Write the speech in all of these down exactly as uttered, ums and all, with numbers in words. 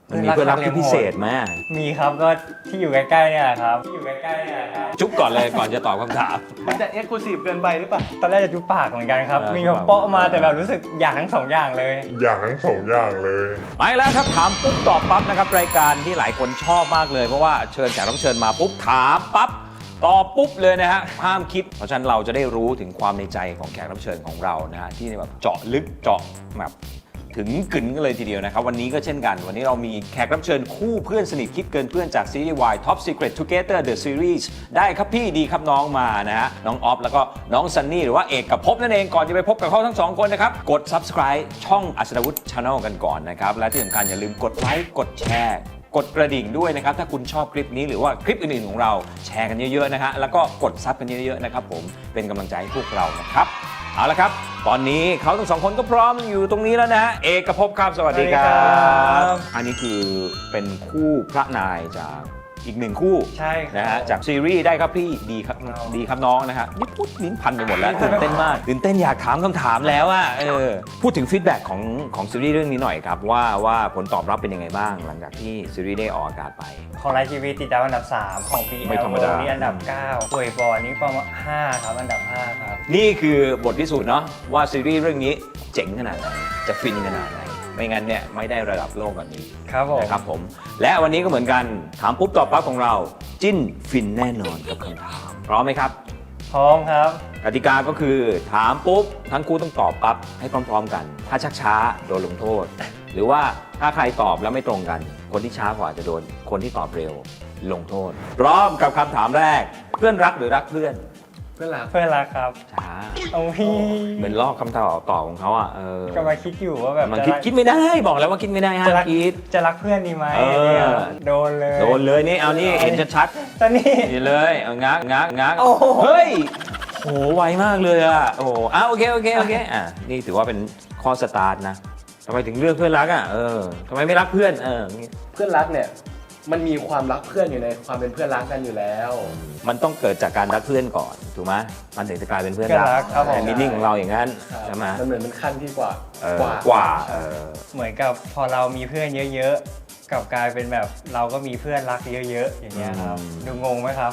มันมีเพื่อนรักที่พิเศษไหมมีครับก็ที่อยู่ใกล้ๆเนี่ยครับที่อยู่ใกล้ๆเนี่ยครับจุ๊บก่อนเลยก่อนจะตอบคำถามมันจะเอ็กซ์คลูซีฟเกินไปหรือเปล่าตอนแรกจะจุ๊บปากเหมือนกันครับมีแบบเปาะมาแต่แบบรู้สึกอยากทั้งสองอย่างเลยอยากทั้งสองอย่างเลยไปแล้วครับถามปุ๊บตอบปั๊บนะครับรายการที่หลายคนชอบมากเลยเพราะว่าเชิญแขกรับเชิญมาปุ๊บถามปั๊บตอบปุ๊บเลยนะฮะห้ามคิดเพราะฉะนั้นเราจะได้รู้ถึงความในใจของแขกรับเชิญของเรานะฮะที่แบบเจาะลึกเจาะแบบถึงกึ๋นกันเลยทีเดียวนะครับวันนี้ก็เช่นกันวันนี้เรามีแขกรับเชิญคู่เพื่อนสนิทคิดเกินเพื่อนจากซีรีส์ วาย Top Secret Together The Series ได้ครับพี่ดีครับน้องมานะฮะน้องออฟแล้วก็น้องซันนี่หรือว่าเอกกับภพนั่นเองก่อนจะไปพบกับเขาทั้งสองคนนะครับกด Subscribe ช่องอัศดวุฒิ Channel กันก่อนนะครับและที่สำคัญอย่าลืมกดไลค์กดแชร์กดกระดิ่งด้วยนะครับถ้าคุณชอบคลิปนี้หรือว่าคลิปอื่นๆของเราแชร์กันเยอะๆนะฮะแล้วก็กดซับกันเยอะๆนะครับผมเป็นกำลังใจให้พวกเรานะครับเอาละครับตอนนี้เขาทั้งสองคนก็พร้อมอยู่ตรงนี้แล้วนะฮะเอกกับภพครับสวัสดีครับอันนี้คือเป็นคู่พระนายจากอีกหนึ่งคู่ใช่นะฮะจากซีรีส์ได้ครับพี่ดีครับดีครับน้องนะฮะนี่พูดลิ้นพันไปหมดแล้วตื่นเต้นมากตื่นเต้นอยากถามคำถามแล้วอ่ะเออพูดถึงฟีดแบ็กของของซีรีส์เรื่องนี้หน่อยครับว่าว่าผลตอบรับเป็นยังไงบ้างหลังจากที่ซีรีส์ได้ออกอากาศไปของไลฟ์ทีวีติดดาวอันดับสามของ บีไม่แอลธรรมดานี่อันดับเก้าป่วยบอลนี่ประมาณห้าครับอันดับห้าครับนี่คือบทพิสูจน์เนาะว่าซีรีส์เรื่องนี้เจ๋งขนาดไหนจะฟินขนาดไหนไม่งั้นเนี่ยไม่ได้ระดับโลกแบบนี้ครับผมนะครับผมและวันนี้ก็เหมือนกันถามปุ๊บตอบปั๊บของเราจิ้นฟินแน่นอนกับคำถามพร้อมไหมครับพร้อมครับกติกาก็คือถามปุ๊บทั้งคู่ต้องตอบปั๊บให้พร้อมๆกันถ้าชักช้าโดนลงโทษหรือว่าถ้าใครตอบแล้วไม่ตรงกันคนที่ช้ากว่าจะโดนคนที่ตอบเร็วลงโทษพร้อมกับคำถามแรกเพื่อนรักหรือรักเพื่อนเพื่อนรักเพื่อนรักครับช้าโอ้ยเหมือนลอกคำตอบต่อของเขาอ่ะเออกำลังคิดอยู่ว่าแบบมันคิดคิดไม่ได้บอกแล้วว่าคิดไม่ได้ห้ามคิดจะรักเพื่อนดีไหมโดนเลยโดนเลยนี่เอานี่เห็นชัดๆตอนนี้นี่เลยเอางักงักงักเฮ้ยโหไวมากเลยอ่ะโอ้โหอ่ะโอเคโอเคโอเคอ่ะนี่ถือว่าเป็นข้อสตาร์ทนะทำไมถึงเลือกเพื่อนรักอ่ะเออทำไมไม่รักเพื่อนเออเพื่อนรักเนี่ยมันมีความรักเพื่อนอยู่ในความเป็นเพื่อนรักกันอยู่แล้วมันต้องเกิดจากการรักเพื่อนก่อนถูกไหมมันถึงจะกลายเป็นเพื่อนรักแต่มีนิ่งของเราอย่างนั้นใช่ไหมมันเหมือนเป็นขั้นที่กว่ากว่ากว่าเหมือนกับพอเรามีเพื่อนเยอะๆกับกลายเป็นแบบเราก็มีเพื่อนรักเยอะๆอย่างเงี้ยครับดูงงไหมครับ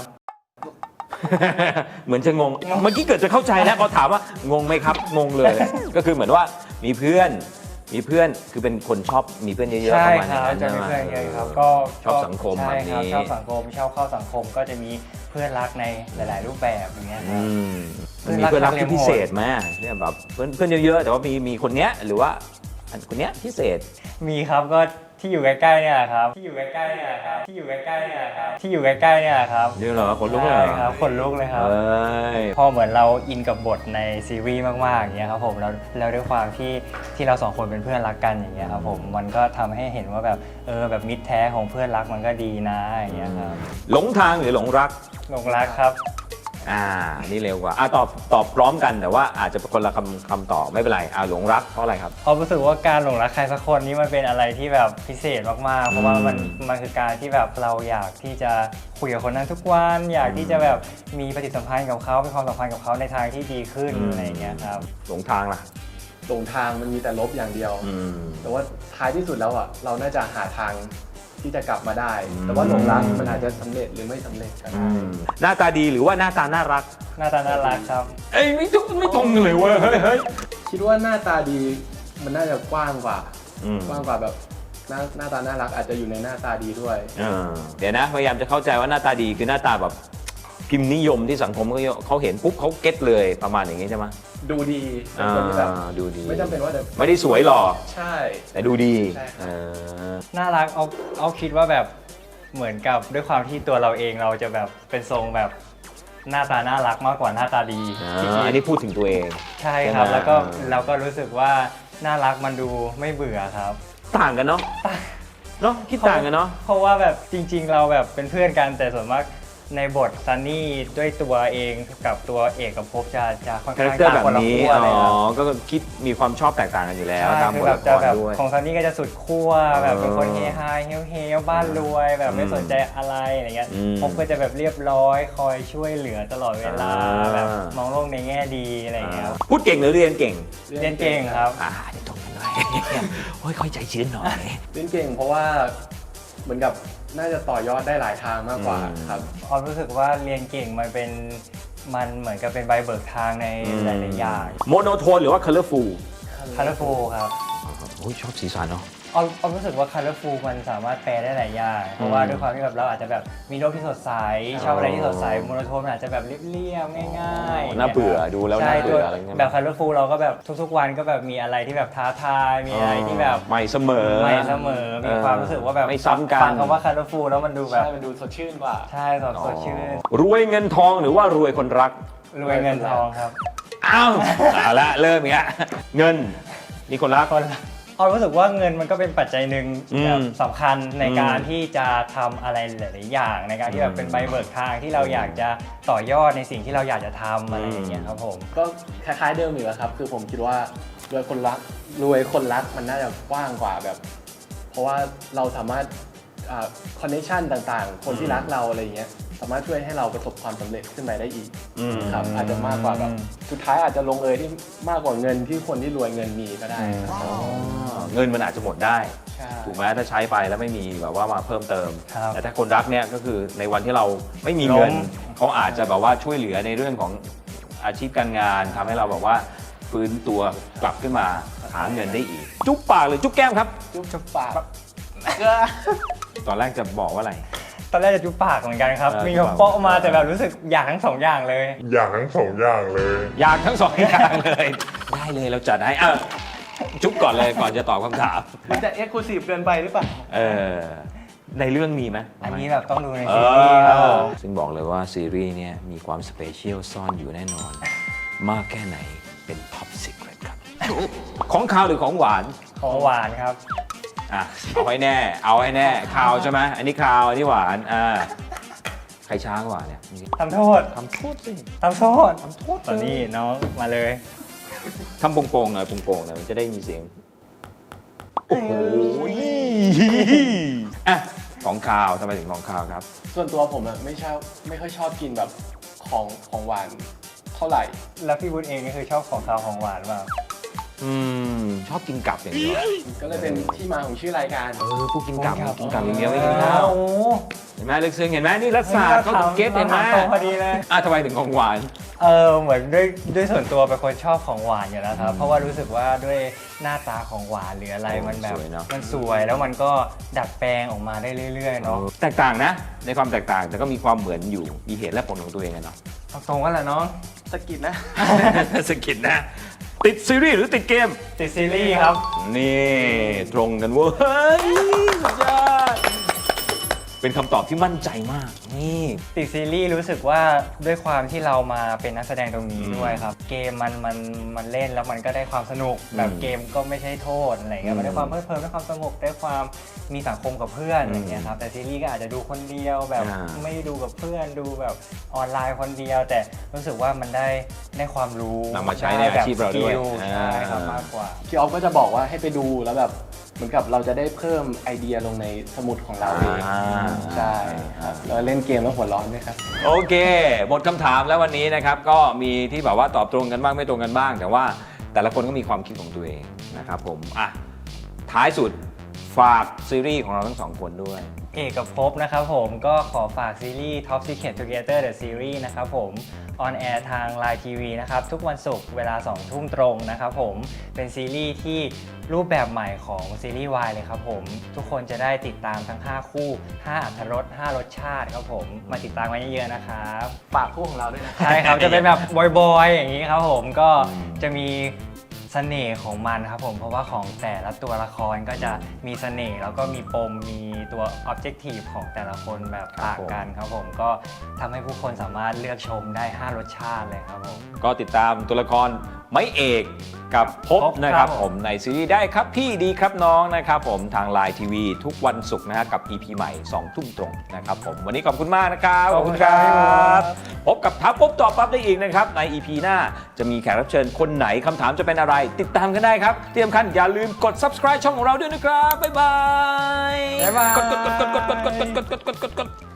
เหมือนจะงงเมื่อกี้เกิดจะเข้าใจแล้วเขาถามว่างงไหมครับงงเลยก็คือเหมือนว่ามีเพื่อนมีเพื่อนคือเป็นคนชอบมีเพื่อนเยอะๆประมาณนั้นจะมีเพื่อนเยอะครับก็ชอบสังคมแบบนี้ชอบสังคมชอบเข้าสังคมก็จะมีเพื่อนรักในหลายๆรูปแบบอย่างเงี้ยครับมีเพื่อนรักที่พิเศษไหมเนี่ยแบบเพื่อนเพื่อนเยอะๆแต่ว่ามีมีคนเนี้ยหรือว่าคนเนี้ยพิเศษมีครับก็ที่อยู่ใกล้ๆเนี่ยครับที่อยู่ใกล้ๆเนี่ยครับที่อยู่ใกล้ๆเนี่ยครับที่อยู่ใกล้ๆเนี่ยครับเดี๋ยวเหรอขนลุกเลยครับขนลุกเลยครับพอเหมือนเราอินกับบทในซีรีส์มากๆอย่างเงี้ยครับผมแล้วแล้วด้วยความที่ที่เราสองคนเป็นเพื่อนรักกันอย่างเงี้ยครับผมมันก็ทำให้เห็นว่าแบบเออแบบมิตรแท้ของเพื่อนรักมันก็ดีนะอย่างเงี้ยครับหลงทางหรือหลงรักหลงรักครับอ่านี่เร็วกว่าอ่าตอบตอบพร้อมกันแต่ว่าอาจจะเป็นคนละคำคำตอบไม่เป็นไรอ่าหลงรักเพราะอะไรครับเพราะรู้สึกว่าการหลงรักใครสักคนนี้มันเป็นอะไรที่แบบพิเศษมากๆเพราะว่ามันมันคือการที่แบบเราอยากที่จะคุยกับคนนั้นทุกวันอยากที่จะแบบมีปฏิสัมพันธ์กับเขามีความสัมพันธ์กับเขาในทางที่ดีขึ้นอะไรอย่างเงี้ยครับหลงทางล่ะหลงทางมันมีแต่ลบอย่างเดียวแต่ว่าท้ายที่สุดแล้วอ่ะเราน่าจะหาทางที่จะกลับมาได้แต่ว่าหลงรักมันอาจจะสำเร็จหรือไม่สำเร็จก็ได้หน้าตาดีหรือว่าหน้าตาน่ารักหน้าตาน่ารักครับเอ้ยไม่ตรงไม่ตรงเลยเว้ยเฮ้ยเฮ้ยคิดว่าหน้าตาดีมันน่าจะกว้างกว่ากว้างกว่าแบบหน้าหน้าตาน่ารักอาจจะอยู่ในหน้าตาดีด้วยเดี๋ยวนะพยายามจะเข้าใจว่าหน้าตาดีคือหน้าตาแบบพิมพ์นิยมที่สังคมเขาเห็นปุ๊บเขาเก็ตเลยประมาณอย่างนี้ใช่ไหมดูดีเป็นคนที่แบบดูดีไม่จำเป็นว่าไม่ได้สวยหล่อใช่แต่ดูดีน่ารักเอาเอาคิดว่าแบบเหมือนกับด้วยความที่ตัวเราเองเราจะแบบเป็นทรงแบบหน้าตาน่ารักมากกว่าหน้าตาดีอันนี้พูดถึงตัวเองใช่ครับแล้วก็เราก็รู้สึกว่าน่ารักมันดูไม่เบื่อครับต่างกันเนาะเนาะคิดต่างกันเนาะเพราะว่าแบบจริงๆเราแบบเป็นเพื่อนกันแต่ส่วนมากในบทซันนี่ด้วยตัวเองกับตัวเอกกับภพจะจะค่อนข้างต่างคนละขั้วเลยครับอ๋อก็คิดมีความชอบแตกต่างกันอยู่แล้วตามบทละครด้วยของซันนี่ก็จะสุดขั้วแบบเป็นคนเฮฮาเฮลเฮลบ้านรวยแบบไม่สนใจอะไรอะไรเงี้ยภพก็จะแบบเรียบร้อยคอยช่วยเหลือตลอดเวลาแบบมองโลกในแง่ดีอะไรเงี้ยพูดเก่งหรือเรียนเก่งเรียนเก่งครับอ่าเดี๋ยวตรงกันเลยโอ้ยค่อยใจชื้นหน่อยเล่นเก่งเพราะว่าเหมือนกับน่าจะต่อยอดได้หลายทางมากกว่าอืมครับออมรู้สึกว่าเรียนเก่งมันเป็นมันเหมือนกับเป็นใบเบิกทางในหลายๆอย่างโมโนโทนหรือว่า colorful colorful ครับโอ้ยชอบสีสันเนาะออมออมรู้สึกว่า colorful มันสามารถแปลได้หลายอย่างเพราะว่าด้วยความที่แบบเราอาจจะแบบมีโลกที่สดใสชอบอะไรที่สดใสโมโนโทนมันอาจจะแบบเรียบๆง่ายๆน่าเบื่อดูแล้วใช่น่าเบื่ออะไรเงี้ยแบบ colorful เราก็แบบทุกๆวันก็แบบมีอะไรที่แบบท้าทายมีอะไรที่แบบใหม่เสมอใหม่เสมอมีความรู้สึกว่าแบบไม่ซ้ำกันฟังคำว่า colorful แล้วมันดูแบบใช่ มันดูสดชื่นกว่าใช่สดสดชื่นรวยเงินทองหรือว่ารวยคนรักรวยเงินทองครับอ้าวเอาละเริ่มอีกแล้วเงินนี่คนรักคนออมรู้สึกว่าเงินมันก็เป็นปัจจัยหนึ่งอืมแบบสำคัญในการอืมที่จะทำอะไรหลายๆอย่าง ในการที่แบบเป็นใบเบิกทางที่เราอยากจะต่อยอดในสิ่งที่เราอยากจะทำอะไรอย่างเงี้ยครับผมก็คล้ายๆเดิมอยู่แล้วครับ คือผมคิดว่ารวยคนรักรวยคนรักมันน่าจะกว้างกว่าแบบ เพราะว่าเราสามารถคอนเนคชันต่างๆ คนที่รักเราอะไรอย่างเงี้ยสามารถช่วยให้เราประสบความสำเร็จขึ้นไปได้อีกอืมครับอาจจะมากกว่าแบบสุดท้ายอาจจะลงเอยที่มากกว่าเงินที่คนที่รวยเงินมีก็ได้ครับอ๋อเงินมันอาจจะหมดได้ใช่ถูกไหมถ้าใช้ไปแล้วไม่มีแบบว่ามาเพิ่มเติมครับแต่ถ้าคนรักเนี่ยก็คือในวันที่เราไม่มีเงินล้มเขาอาจจะแบบว่าช่วยเหลือในเรื่องของอาชีพการงานทำให้เราแบบว่าฟื้นตัวกลับขึ้นมาหาเงินได้อีก จุ๊บปากหรือจุ๊บแก้มครับจุ๊บจุ๊บปากตอนแรกจะบอกว่าอะไรตอนแรกจะจุ๊บปากเหมือนกันครับเออมีจุ๊บคำปากโป๊ะมาแต่แบบรู้สึกอยากทั้งสองอย่างเลยอย่างทั้งสองอย่างเลยอยากทั้งสองอย่างเลย ได้เลยเราจัดให้อ่ะจุ๊บก่อนเลยก่อนจะตอบคำถามมันจะเอ็กซ์คลูซีฟเกินไปหรือเปล่าเออในเรื่องมีไหมอันนี้แบบต้องดูในเอซีรีส์ครับผอมซึ่งบอกเลยว่าซีรีส์เนี่ยมีความสเปเชียลซ่อนอยู่แน่นอน มากแค่ไหนเป็นท็อปซีเครตครับ ของคาวหรือของหวานของหวานครับอ่ะ เอาให้แน่ เอาให้แน่คาวใช่ไหมอันนี้คาวอันนี้หวานอ่าใครช้ากว่าเนี่ยทำโทษทำโทษสิทำโทษทำโทษตอนนี้น้องมาเลยทำโป่งๆหน่อยโป่งๆหน่อยมันจะได้มีเสียง โอ้โหอ่ะของคาวทำไมถึงของคาวครับส่วนตัวผมอะไม่ชอบไม่ค่อยชอบกินแบบของของหวานเท่าไหร่แล้วพี่วุฒิเองนี่คือชอบของคาวของหวานหรือเปล่าอืม ชอบกินกลับอย่างเดียวก็เลยเป็นที่มาของชื่อรายการเออผู้กินกลับกินกลับกินกลับอย่างเดียวไม่กินข้าวโอ้โหเห็นไหมลึกซึ้งเห็นไหมนี่รัฐศาสตร์เขาถึงเก็ตเห็นไหมตรงพอดีเลยอ่ะทำไมถึงของหวานเออเหมือนด้วยด้วยส่วนตัวเป็นคนชอบของหวานอยู่แล้วครับ เพราะว่ารู้สึกว่าด้วยหน้าตาของหวานหรืออะไรโอ้มันแบบสวยเนอะมันสวยแล้วมันก็ดัดแปลงออกมาได้เรื่อยๆเนาะแตกต่างนะ ในความแตกต่างแต่ก็มีความเหมือนอยู่มีเหตุและผลของตัวเองอะเนาะตรงกันแหละเนาะสะกิดนะสกิดนะ ติดซีรีส์หรือติดเกมติดซีรีส์ครับนี่ตรงกันเว้ยสุดยอดเป็นคำตอบที่มั่นใจมาก นี่ติดซีรีส์รู้สึกว่าด้วยความที่เรามาเป็นนักแสดงตรงนี้อืมด้วยครับ เกมมันมันมันเล่นแล้วมันก็ได้ความสนุก แบบอืมเกมก็ไม่ใช่โทษอะไรเงี้อืยมมันได้ความเพลิดเพลินได้ความสงบได้ความมีสังคมกับเพื่อนอืมอย่างเงี้ยครับแต่ซีรีส์ก็อาจจะดูคนเดียวแบบอ่าไม่ดูกับเพื่อนดูแบบออนไลน์คนเดียว แต่รู้สึกว่ามันได้ได้ความรู้นำมาใช้ในอาชีพเราด้วยไแบบสกิลใช่ครับอ่ามมากกว่าพี่ออฟก็จะบอกว่าให้ไปดูแล้วแบบเหมือนกับเราจะได้เพิ่มไอเดียลงในสมุดของเราเองอ่าใช่ครับแล้วเล่นเกมแล้วหัวร้อนด้วยครับโอเค หมดคำถามแล้ววันนี้นะครับ ก็มีที่แบบว่าตอบตรงกันบ้างไม่ตรงกันบ้าง แต่ว่าแต่ละคนก็มีความคิดของตัวเองนะครับผม อ่ะ ท้ายสุดฝากซีรีส์ของเราทั้งสองคนด้วยเอกภพนะครับผมก็ขอฝากซีรีส์ Top Secret Together The Series นะครับผมออนแอร์ทาง ไลน์ ที วี นะครับทุกวันศุกร์เวลาสองทุ่มตรงนะครับผมเป็นซีรีส์ที่รูปแบบใหม่ของซีรีส์วายเลยครับผมทุกคนจะได้ติดตามทั้งห้าคู่ห้าอรรถรสห้ารสชาติครับผมมาติดตามกันเยอะๆนะครับฝากคู่ของเราด้วยนะใช่ครับ จะเป็นแบบบอยๆอย่างนี้ครับผมก็อืมจะมีเสน่ห์ของมันครับผมเพราะว่าของแต่ละตัวละครก็จะมีเสน่ห์แล้วก็มีปมมีตัว objective ของแต่ละคนแบบต่างกันครับผมก็ทำให้ผู้คนสามารถเลือกชมได้ห้ารสชาติเลยครับผมก็ติดตามตัวละครไม้เอกกับพบพบนะครับครับผผม มในซีรีส์ได้ครับพี่ดีครับน้องนะครับผมทาง ไลน์ ที วี ทุกวันศุกร์นะฮะกับ อี พี ใหม่สองทุ่มตรงนะครับผมวันนี้ขอบคุณมากนะครับขอบคุณครับพบกับทับปุ๊บตอบปั๊บได้อีกนะครับใน อี พี หน้าจะมีแขกรับเชิญคนไหนคำถามจะเป็นอะไร ติดตามกันได้ครับที่สำคัญอย่าลืมกด ซับสไครบ์ ช่องของเราด้วยนะครับบ๊ายบายบ๊ายบายกดกดกดกดกดกดกดกดกดกดกด